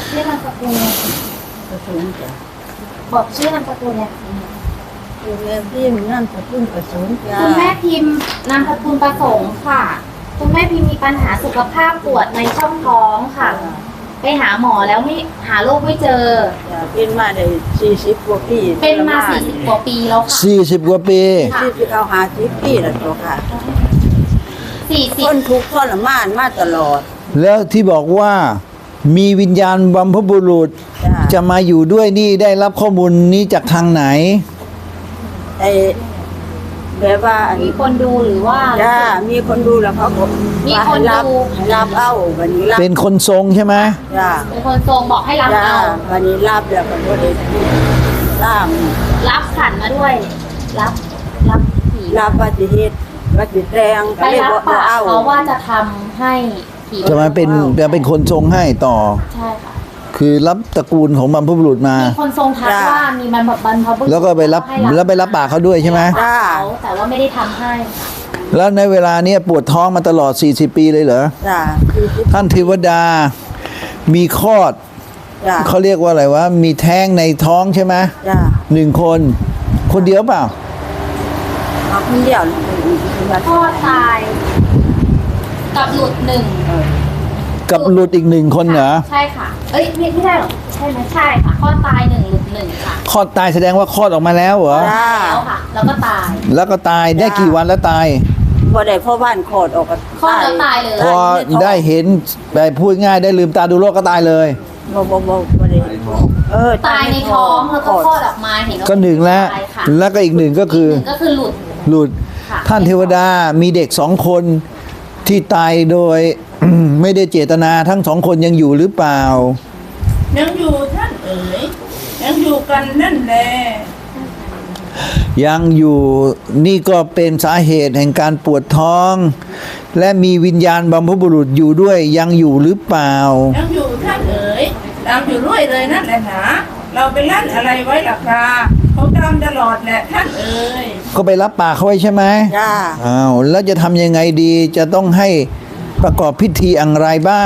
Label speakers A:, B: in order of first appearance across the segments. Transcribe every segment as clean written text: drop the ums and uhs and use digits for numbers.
A: ชื่อนามสกุลเนี่ย
B: กระสุนจ้ะ
A: บอกชื่อนามสกุลเนี่ย
B: คือแม่พิมพ์นั่นกระสุนกระสุนจ้ะ
A: คุณแม่พิมพ์นามสกุลประสงค์ค่ะคุณแม่พิมพ์มีปัญหาสุขภาพปวดในช่องท้องค่ะไปหาหมอแล้วไม่หาโรคไม่เจอ
B: จ้ะเป็นมาได้40กว่าปี
A: เป็นมา40กว่าปีแล้วค่ะ
C: 40 กว่าปี
B: 40เอา50ปีแล้วตัวค่ะทน
A: 40
B: ทุกข์ทรมานมาตลอด
C: แล้วที่บอกว่ามีวิญญาณบัมพบุรุษ
B: จ้ะ
C: จะมาอยู่ด้วยนี่ได้รับข้อมูลนี้จากทางไหน
B: ไอ้แบบว่าอัน
A: มีคนดูหรือว่า
B: จ้ามีคนดูแล้วเขาก็
A: มีคนดู
B: ให้รับเอาวันนี้รับ
C: เป็นคนทรงใช่ไหม
B: จ้า
A: เป็นคนทรงบอกให้รับ
B: จ้า
A: เอา
B: วันนี้รับแล้วก็บ่ได้ตาม
A: รับขันมาด้วย รับผี
B: รับปฏิเหตุปฏิแรง
A: ไป
B: ก็เลย
A: รับ
B: บ่
A: ปาก
B: เอา
A: เขาว่าจะทำให้ผี
C: จะมาเป็นคนทรงให้ต่อ
A: ใช่ค่ะ
C: คือรับตระกูลของบัมพบุรุษมา
A: มีคนทรงทักว่ามีบรรพบุรุษ
C: แล้วก็ไปรับ
A: ให้
C: แล้วไปรับปากเขาด้วยใช่ไหม
B: จ้า
A: เขาแต่ว่าไม่ได้ทำให้
C: แล้วในเวลาเนี้ยปวดท้องมาตลอด40 ปีเลยเหรอ
B: จ้า
C: ท่านเทวดามีคลอด
B: จ้า
C: เขาเรียกว่าอะไรวะมีแท้งในท้องใช่ไหม
B: จ้า
C: 1 คนคนเดียวเปล่า
B: เอาคนเดียวเลย
A: พ่อตายกับหลุดหนึ่ง
C: กับหลุดอีก1 คนเหรอ
A: ใช่ค่ะ เอ้ยไม่ได้หรอกใช่ไหมใช่ค่ะพ่อตายหนึ่งหลุดหนึ่งค่ะ
C: คลอดตายแสดงว่าคลอดออกมาแล้วเหรอ
B: จ้า
A: แล้วค่ะ แล้วก็ตาย
C: แล้วก็ตายได้กี่วันแล้วตาย
B: บ่ได้พ่อบ้านโคตรออกก็
A: คลอดแล้วตายเลย
C: พอได้เห็นไปพูดง่ายได้ลืมตาดูโลกก็ตายเลย
B: บ่ได้
A: ตายในท้องแล้วก็คลอดออกมาเห็นว่า
C: ก็1แล้ว
A: ตายค่ะ
C: แล้วก็อีก1ก็คือ
A: หนึ่งก็คือหลุด
C: หลุด
A: ค่ะ
C: ท่านเทวดามีเด็ก2 คนที่ตายโดย ไม่ได้เจตนาทั้ง2 คนยังอยู่หรือเปล่า
D: ยังอยู่ท่านเอ๋ยยังอยู่กันนั่นแหละ
C: ยังอยู่นี่ก็เป็นสาเหตุแห่งการปวดท้อง และมีวิญญาณบัมพบุรุษอยู่ด้วยยังอยู่หรือเปล่า
D: ยังอยู่ท่านเอ๋ยตามอยู่ด้วยเลยนั่นแหละหนะเราไปลั่นอะไรไว้ล่ะครับเขาตามตลอดแหละท่านเอ๋ย
C: ก็ไปรับปากเขาไว้ใช่ไหม
B: จ้า
C: อ้าวแล้วจะทำยังไงดีจะต้องให้ประกอบพิธีอะไรบ้าง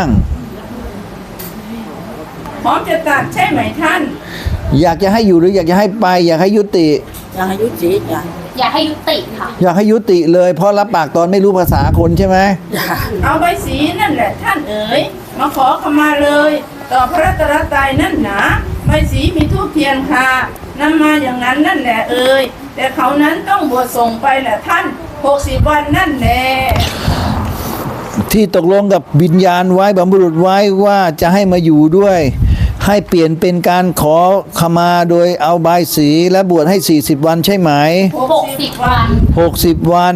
D: พร้อมจะตัดใช่ไหมท่าน
C: อยากจะให้อยู่หรืออยากจะให้ไป อยากให้ยุติ
B: ยังอายุจีจ้า
A: อยากให้ยุติค่ะ
C: อยากให้ยุติเลยเพราะรับปากตอนไม่รู้ภาษาคนใช่ไหม
B: จ้า
D: เอาใบสีนั่นแหละท่านเอ๋ยมาขอขมาเลย ต่อพระรัตนตรัยนั่นหนาใบสีมีทูปเทียนค่ะนำมาอย่างนั้นนั่นแหละเอ๋ยแต่เขานั้นต้องบวชส่งไปแหละท่าน60 วันนั่นแหละ
C: ที่ตกลงกับวิญญาณไว้บัมบุรุษไว้ว่าจะให้มาอยู่ด้วย ให้เปลี่ยนเป็นการขอขมาโดยเอาบายสีและบวชให้40 วันใช่ไหม
A: 60 วัน
C: 60 วัน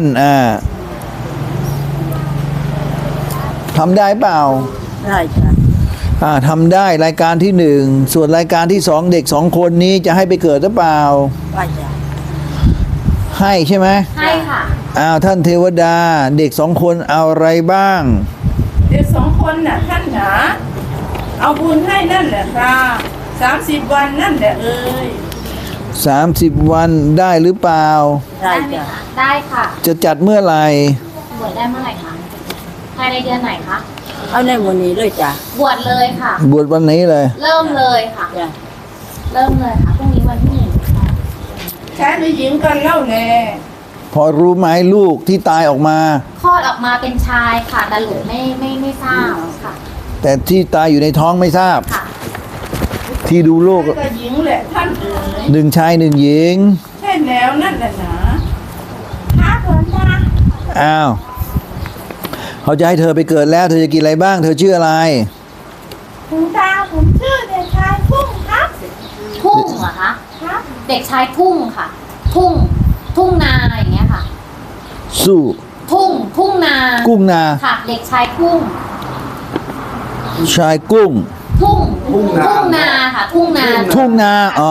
C: ทำได้เปล่า
B: ได้จ้า
C: ทำได้รายการที่ 1ส่วนรายการที่2เด็ก2 คนนี้จะให้ไปเกิดหรือเปล่า
B: ไปจ้า
C: ให้ใช่ไหม
A: ให้ค่ะ
C: ท่านเทวดาเด็ก2 คนเอาอะไรบ้าง
D: เด็ก2 คนน่ะท่านหนาเอาบุญให้นั่นแหละครับ30 วันนั่นแหละเอ้ย
C: 30 วันได้หรือเปล่า
B: ได้
A: ไหม
B: จ้า
A: คะได้ค่ะ
C: จะจัดเมื่อไหร่
A: บวชได้เมื่อไหร่คะภายในเดือนไหนคะ
B: เอาในมื้อนี้เลยจ้า
A: บวชเลยค่ะ
C: บวชวันนี้เลย
A: เริ่มเลยค่ะ
B: จ้า
A: เริ่มเลยค่ะพรุ่งนี้วันที่
D: ชายหรือหญิงกันเล่าแล
C: พอรู้ไหมลูกที่ตายออกมา
A: 1คลอดออกมาเป็นชายค่ะแต่หลุดไม่ทราบค่ะ
C: แต่ที่ตายอยู่ในท้องไม่ทราบ
A: ค่ะ
C: ที่ดูโลก
D: ชายกับหญิงแหละท่านเอ๋ย
C: 1 ชาย 1 หญิง
D: ใช่แล้วนั่นแหละหนาท้าเถินจ้า
C: อ้าวเขาจะให้เธอไปเกิดแล้ว เธอจะกินอะไรบ้าง เธอชื่ออะไร
D: คุณตาผมชื่อเด็กชายทุ่งครับ
A: ทุ่งเหรอคะ
D: ครับ
A: เด็กชายทุ่งค่ะ ทุ่งนาอย่างเงี้ยค่ะ
C: สู้
A: ทุ่งนา
C: กุ้งนา
A: ค่ะ เด็กชายทุ่ง
C: ชายกุ้ง
A: ทุ่งนาค่ะ ทุ่งนา
C: ทุ่งนาอ๋อ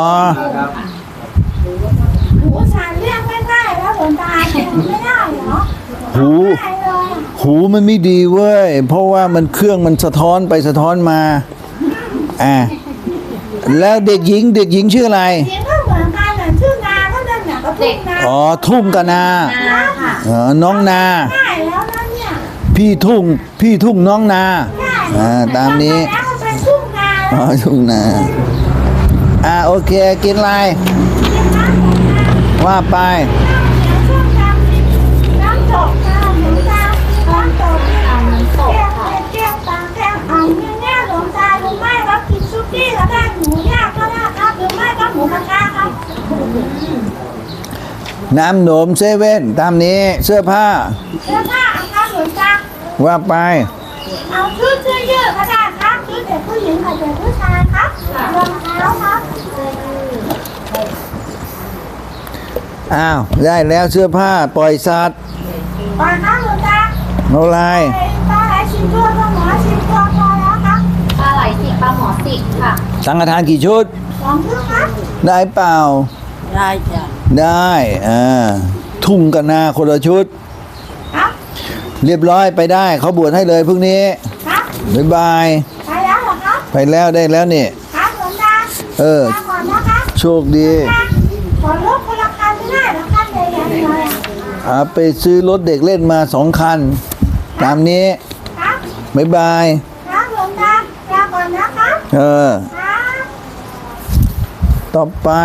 D: หูชายเรียกไม่ได้แล้วหลวงตาไม่ได้เหรอ
C: หู
D: ได้เลย
C: หูมันไม่ดีเว้ย เพราะว่ามันเครื่องมันสะท้อนไปสะท้อนมาแล้วเด็กหญิงชื่ออะไร
D: เสียงก็เหมือนกันน่ะชื่อนาก็นั่นน่ะก็ทุ่งนา
C: อ๋อทุ่งกับนา
A: นาค่ะ
C: น้องนา
D: ได้แล้วนะเนี่ย
C: พี่ทุ่งน้องนา
D: ได้
C: ตามนี้
D: แล้วก็เป็นทุ่งนา
C: อ๋อทุ่งนาโอเคกินอะไรว่าไป
E: น้ำตกค่ะหลวงตาน้ำตก
A: น้ำตกค่ะ
E: แก้วตาแก้วอ่างเนี่ยหลวงตาหรือไม่ก็กินซุกี้ก็ได้หมูย่างก็ได้ครับหรือไม่ก็หมูกระทะครับ
C: น้ำหนมเซเว่นตามนี้เสื้อผ้า
E: เสื้อผ้าครับหลวงตา
C: ว่าไป
E: เอาชุดเสื้อยืดก็ได้ครับชุดเด็กผู้หญิงกับเด็กผู้ชายครับรองเท้าครับ
C: อ้าวได้แล้วเสื้อผ้าปล่อยสัตว์
E: ปล่อยครับหลวงตา
C: เอาอะไร
E: ปลาไหลชิมตัวปลาหมอชิมตัวพอแล้วครับ
A: ปลาไหลสิบปลาหมอสิบค่ะ
C: สังฆทานกี่ชุด
E: 2 ชุดครับ
C: ได้เปล่า
B: ได้จ้ะ
C: ได้ทุ่งกันนาคนละชุด
E: ครับ
C: เรียบร้อยไปได้เขาบวชให้เลยพรุ่งนี้
E: ครับ
C: บ๊ายบาย
E: ไปแล้วเหรอครับ
C: ไปแล้วได้แล้วนี่
E: ครับหลวงตา ลาก่อนนะครับ
C: โชคดี
E: ขอรถคนละคันไม่ได้เหรอครับใหญ่ๆเลยอะ
C: ไปซื้อรถเด็กเล่นมา2 คัน ตามนี้
E: ครับ
C: บ๊ายบาย
E: ครับหลวงตาลาก่อนนะครับ
C: เออ
E: ครับ
C: ต่อไป